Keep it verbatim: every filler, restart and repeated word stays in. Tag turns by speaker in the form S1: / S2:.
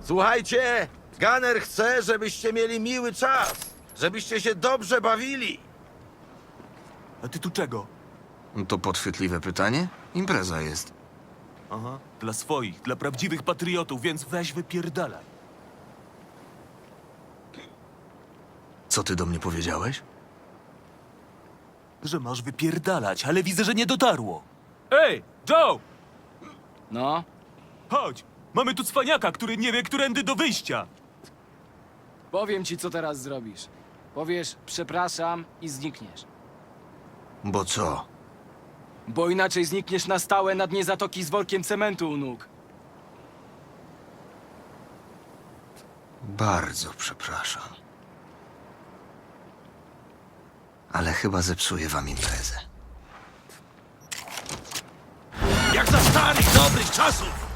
S1: Słuchajcie, Gunner chce, żebyście mieli miły czas, żebyście się dobrze bawili.
S2: A ty tu czego?
S3: To podchwytliwe pytanie? Impreza jest.
S2: Aha, dla swoich, dla prawdziwych patriotów, więc weź wypierdalaj.
S3: Co ty do mnie powiedziałeś?
S2: Że masz wypierdalać, ale widzę, że nie dotarło. Ej, Joe!
S4: No,
S2: Chodź! Mamy tu cwaniaka, który nie wie, którędy do wyjścia.
S4: powiem ci, co teraz zrobisz. Powiesz przepraszam i znikniesz.
S3: Bo co?
S4: Bo inaczej znikniesz na stałe na dnie zatoki z workiem cementu u nóg.
S3: Bardzo przepraszam. Ale chyba zepsuję wam imprezę.
S1: Jak za starych, dobrych czasów!